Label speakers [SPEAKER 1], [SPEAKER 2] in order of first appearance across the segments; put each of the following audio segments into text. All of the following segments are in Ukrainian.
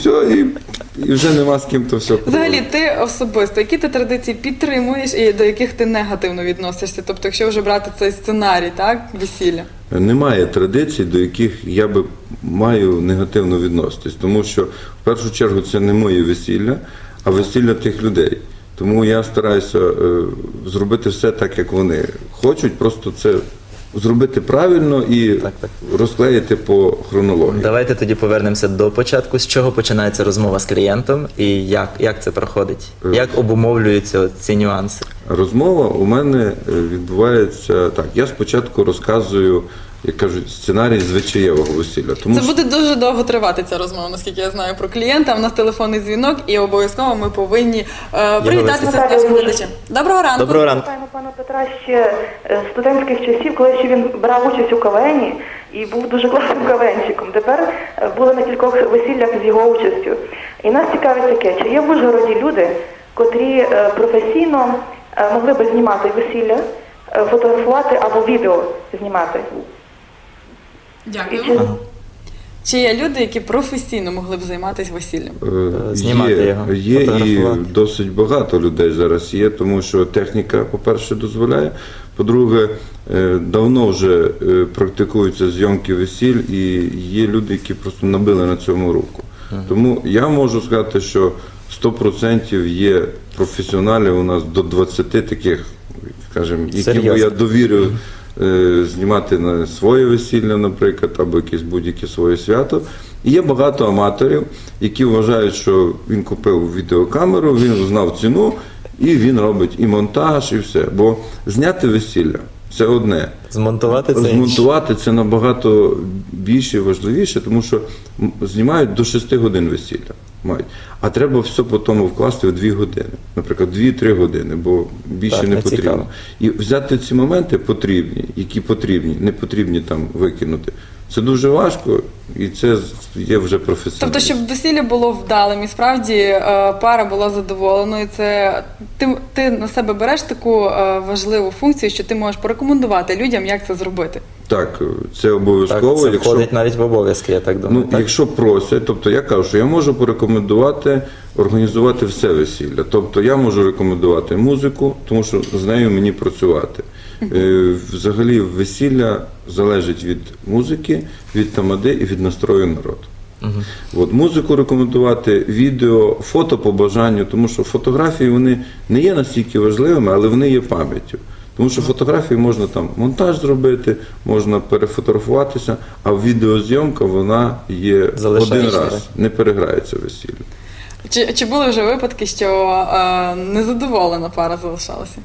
[SPEAKER 1] все, і вже нема з ким то все
[SPEAKER 2] Взагалі,
[SPEAKER 1] проводити.
[SPEAKER 2] ти особисто, які ти традиції підтримуєш і до яких ти негативно відносишся? Тобто, якщо вже брати цей сценарій, так, весілля?
[SPEAKER 1] Немає традицій, до яких я би маю негативно відноситись, тому що в першу чергу це не моє весілля, а весілля тих людей. Тому я стараюся зробити все так, як вони хочуть, просто це зробити правильно і розклеїти по хронології.
[SPEAKER 3] Давайте тоді повернемося до початку. З чого починається розмова з клієнтом і як це проходить? Як обумовлюються ці нюанси?
[SPEAKER 1] Розмова у мене відбувається так. Я спочатку розказую, як кажуть, сценарій звичаєвого весілля. Тому
[SPEAKER 2] Це буде дуже довго тривати ця розмова, наскільки я знаю про клієнта. У нас телефонний дзвінок і обов'язково ми повинні привітатися з нашим глядачем. Доброго ранку.
[SPEAKER 3] Доброго ранку.
[SPEAKER 4] Пам'ятаємо пана Петра ще з студентських часів, коли ще він брав участь у КВНі і був дуже класним КВНщиком. Тепер були на кількох весіллях з його участю. І нас цікавить таке, чи є в Ужгороді люди, котрі професійно могли би знімати весілля, фотографувати або відео знімати?
[SPEAKER 2] Дякую.
[SPEAKER 4] І чи-
[SPEAKER 2] Чи є люди, які професійно могли б займатися весіллям?
[SPEAKER 3] Знімати його,
[SPEAKER 1] є і
[SPEAKER 3] фотографувати.
[SPEAKER 1] досить багато людей зараз є, тому що техніка, по-перше, дозволяє. По-друге, давно вже практикуються зйомки весіль, і є люди, які просто набили на цьому руку. Тому я можу сказати, що 100% є професіоналів у нас до 20 таких, скажімо, яким би я
[SPEAKER 3] Серйозно?
[SPEAKER 1] довірив знімати на своє весілля, наприклад, або якесь будь-яке своє свято. І є багато аматорів, які вважають, що він купив відеокамеру, він знав ціну, і він робить і монтаж, і все. Бо зняти весілля – це одне.
[SPEAKER 3] Змонтувати це інше.
[SPEAKER 1] Змонтувати це набагато більше і важливіше, тому що знімають до 6 годин весілля. Мають. А треба все по тому вкласти в 2 години. Наприклад, 2-3 години, бо більше
[SPEAKER 3] Так,
[SPEAKER 1] не
[SPEAKER 3] не
[SPEAKER 1] потрібно.
[SPEAKER 3] цікаво.
[SPEAKER 1] І взяти ці моменти потрібні, які потрібні, не потрібні там викинути. Це дуже важко, і це є вже професіонально.
[SPEAKER 2] Тобто, щоб весілля було вдалим і справді пара була задоволеною, це ти на себе береш таку важливу функцію, що ти можеш порекомендувати людям, як це зробити.
[SPEAKER 1] Так, це
[SPEAKER 3] Так,
[SPEAKER 1] обов'язково.
[SPEAKER 3] це входить навіть в обов'язки, я так думаю.
[SPEAKER 1] Ну,
[SPEAKER 3] так?
[SPEAKER 1] якщо просять, тобто я кажу, що я можу порекомендувати організувати все весілля. Тобто я можу рекомендувати музику, тому що з нею мені працювати. Взагалі весілля залежить від музики, від тамади і від настрою народу. От, музику рекомендувати, відео, фото по бажанню, тому що фотографії вони не є настільки важливими, але вони є пам'яттю. Тому що фотографії можна там монтаж зробити, можна перефотографуватися, а відеозйомка вона є
[SPEAKER 3] Залишається,
[SPEAKER 1] один раз,
[SPEAKER 3] так?
[SPEAKER 1] не переграється весілля.
[SPEAKER 2] Чи були вже випадки, що незадоволена пара залишалася?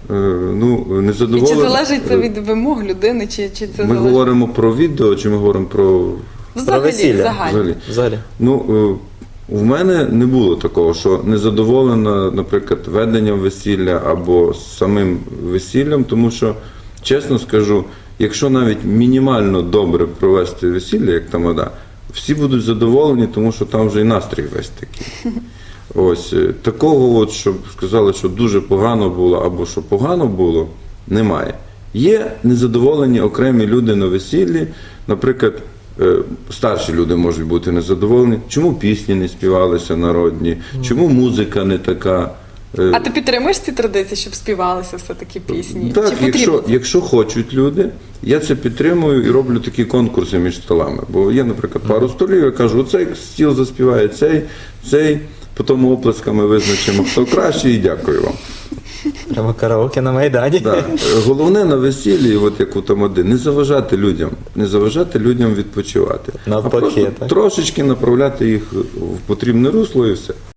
[SPEAKER 1] Ну,
[SPEAKER 2] І чи
[SPEAKER 1] незадоволена.
[SPEAKER 2] залежить це від вимог людини, чи це
[SPEAKER 1] Ми
[SPEAKER 2] залежить?
[SPEAKER 1] говоримо про відео, чи ми говоримо про
[SPEAKER 2] Взагалі,
[SPEAKER 3] весілля.
[SPEAKER 2] загально.
[SPEAKER 1] взагалі?
[SPEAKER 3] Взагалі.
[SPEAKER 1] Ну, в мене не було такого, що незадоволена, наприклад, веденням весілля або самим весіллям, тому що, чесно скажу, якщо навіть мінімально добре провести весілля, як тамада, всі будуть задоволені, тому що там вже і настрій весь такий. Ось, такого, от, щоб сказали, що дуже погано було або що погано було, немає. Є незадоволені окремі люди на весіллі, наприклад, старші люди можуть бути незадоволені, чому пісні не співалися народні, чому музика не така.
[SPEAKER 2] А ти підтримуєш ці традиції, щоб співалися все-таки пісні?
[SPEAKER 1] Так,
[SPEAKER 2] Чи потрібно це?
[SPEAKER 1] якщо хочуть люди, я це підтримую і роблю такі конкурси між столами. Бо є, наприклад, пару столів, я кажу, оцей стіл заспіває цей, потім оплесками визначимо, хто краще, і дякую вам.
[SPEAKER 3] Прямо караоке на Майдані.
[SPEAKER 1] Да. Головне на весіллі, от як у тамади, не заважати людям відпочивати.
[SPEAKER 3] Навпаки,
[SPEAKER 1] а просто
[SPEAKER 3] так.
[SPEAKER 1] трошечки направляти їх в потрібне русло і все.